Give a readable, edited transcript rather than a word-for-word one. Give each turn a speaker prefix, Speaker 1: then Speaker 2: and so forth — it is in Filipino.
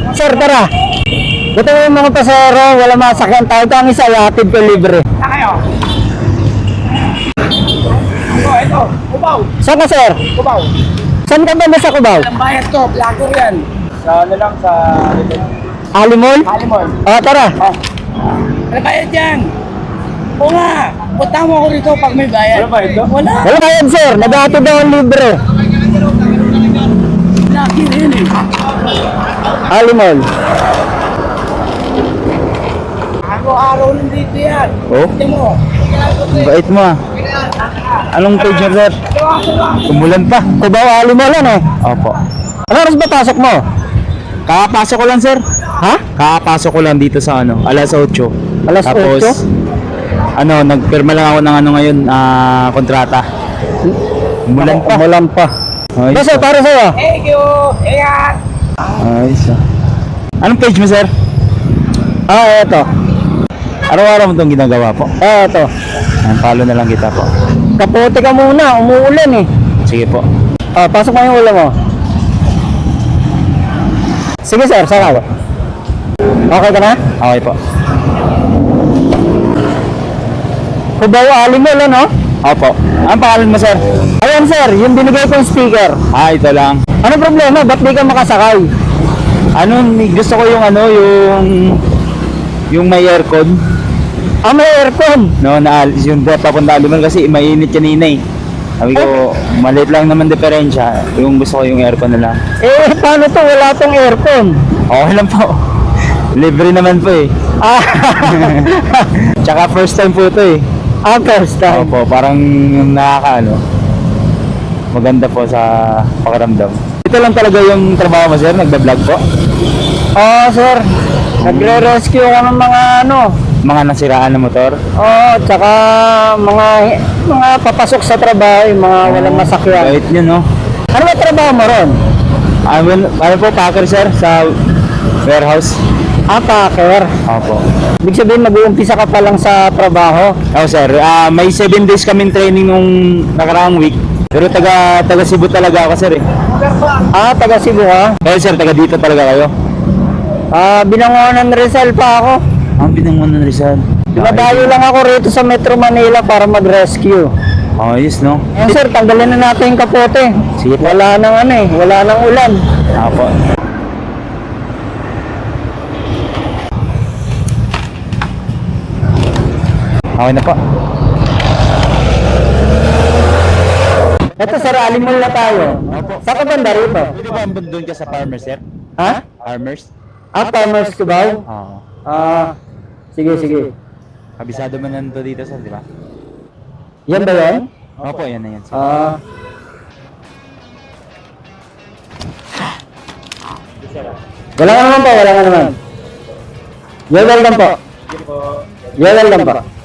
Speaker 1: Sir, tara. Ito yung mga pasero, wala masakyan tayo. Ito ang isa, hatid ko libre.
Speaker 2: Na kayo? Ito, Cubao.
Speaker 1: Saan ka, sir?
Speaker 2: Cubao.
Speaker 1: Saan ka ba sa Cubao?
Speaker 2: Walang bayad to, vlogger yan. Sa ano lang, sa
Speaker 1: Alimol?
Speaker 2: Halimol.
Speaker 1: Tara.
Speaker 2: Walang bayad yan. Oo nga, punta mo ako rito pag may bayad. Wala bayad to? Wala.
Speaker 1: Wala bayad, sir. Naghatid daw ang libre.
Speaker 2: Vlogger yan eh.
Speaker 1: Alimol.
Speaker 2: Araw-araw nandito yan.
Speaker 1: Oh?
Speaker 2: Tingnan mo.
Speaker 1: Bait mo ah. Anong page niya, sir? Umulan pa. Cubao, Alimol yan eh. Opo. Ano oras ba pasok mo?
Speaker 3: Kakapasok ko lang, sir.
Speaker 1: Ha?
Speaker 3: Kakapasok ko lang dito sa ano, alas 8.
Speaker 1: Alas
Speaker 3: Tapos,
Speaker 1: 8?
Speaker 3: nagpirma lang ako ng ano ngayon, kontrata. Umulan pa.
Speaker 1: Umulan pa.
Speaker 3: Ayos
Speaker 1: Basta, para sa'yo.
Speaker 2: Thank you. Ingat.
Speaker 3: Ayos ah. Anong page mo, sir?
Speaker 1: Eto.
Speaker 3: Araw-araw mo itong ginagawa po.
Speaker 1: Eto.
Speaker 3: Follow na lang kita po.
Speaker 1: Kapote ka muna, umuulan eh.
Speaker 3: Sige po.
Speaker 1: Pasok mo yung ulam mo. Sige, sir, saka ba? Okay ka na?
Speaker 3: Okay po.
Speaker 1: Cubao, Alimol, ano?
Speaker 3: Opo. Anong pangalan mo, sir?
Speaker 1: Ayan, sir, yung binigay kong sticker.
Speaker 3: Ito lang.
Speaker 1: Ano problema? Ba't di ka makasakay?
Speaker 3: Gusto ko yung yung may aircon.
Speaker 1: May aircon.
Speaker 3: No, naalis yung papunta Alimol kasi mainit kanina eh. Sabi ko, maliit lang naman diferensya. Yung gusto ko yung aircon na lang.
Speaker 1: Paano to? Wala tong aircon.
Speaker 3: Okay lang po. Libre naman po eh. Tsaka first time po ito eh.
Speaker 1: First time.
Speaker 3: Opo, parang maganda po sa pakiramdam. Ito lang talaga yung trabaho mo, sir? Nagba-vlog po?
Speaker 1: Sir. Nagre-rescue ko ng mga
Speaker 3: Mga nasiraan na motor?
Speaker 1: tsaka mga papasok sa trabaho, yung mga walang masakyan.
Speaker 3: Bait nyo, no?
Speaker 1: Ano ba trabaho mo ron?
Speaker 3: Ano po, packer, sir? Sa warehouse?
Speaker 1: Packer.
Speaker 3: Opo.
Speaker 1: Ibig sabihin, mag-uumpisa ka pa lang sa trabaho.
Speaker 3: Sir. May 7 days kaming training nung nakaraang week. Pero taga Cebu talaga ako, sir eh.
Speaker 1: Taga Cebu ka?
Speaker 3: Kaya sir, taga dito talaga kayo?
Speaker 1: Binangonan Rizal pa ako.
Speaker 3: Ang binangon ng Rizal.
Speaker 1: Nadayo lang ako rito sa Metro Manila para mag-rescue.
Speaker 3: Ayos, no?
Speaker 1: Sir, tanggalin na natin yung kapote.
Speaker 3: Sige po.
Speaker 1: Wala nang wala nang ulan.
Speaker 3: Opo. Okay na po.
Speaker 1: Ito, sir, Alimol na tayo. Saan ka banda rito?
Speaker 3: Pwede ba doon ka sa farmers, sir?
Speaker 1: Ha?
Speaker 3: Farmers?
Speaker 1: Farmers Cubao?
Speaker 3: Oo.
Speaker 1: Sige.
Speaker 3: Kabisado mo na to dito, sir, di ba?
Speaker 1: Yan ba yan?
Speaker 3: Opo, yan na yan, sir.
Speaker 1: Wala ka naman po, wala ka naman. You're welcome po. You're welcome po.